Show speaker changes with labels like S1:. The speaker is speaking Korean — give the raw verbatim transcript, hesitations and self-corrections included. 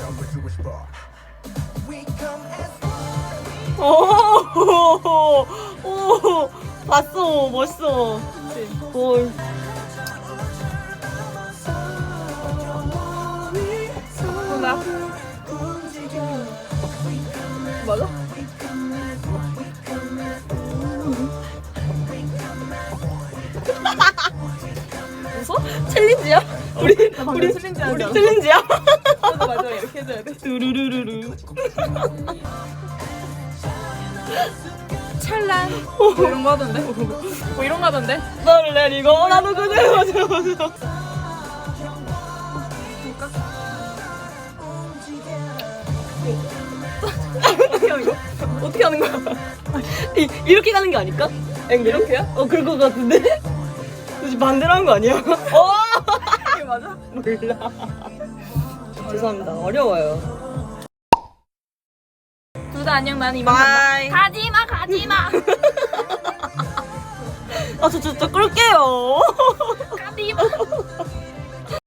S1: 오, 오, 봤어, 멋있어. 볼.
S2: 나 맞아?
S1: 웃어? 챌린지야? 우리 우리
S2: 챌린지
S1: 우리
S2: 하자.
S1: 챌린지야?
S2: 맞아 맞아 이렇게 해줘야 돼.
S1: 두루루루루.
S2: 찰란. 뭐 이런 거 하던데? 뭐 이런 거 하던데?
S1: 너를 내리고 나도 그대로 맞아 맞아.
S2: 어떻게 하는 거?
S1: 어떻게 하는 거야? 이, 이렇게 가는 게 아닐까? 앵글이?
S2: 이렇게요?
S1: 어 그럴 것 같은데? 혹시 반대로 한 거 아니야? 어!
S2: 이게 맞아?
S1: 몰라. 죄송합니다. 어려워요.
S2: 둘 다 안녕. 나는 이만
S1: 바이.
S2: 간다. 가지마 가지마.
S1: 아, 저, 저, 저 끌게요.
S2: 가지마.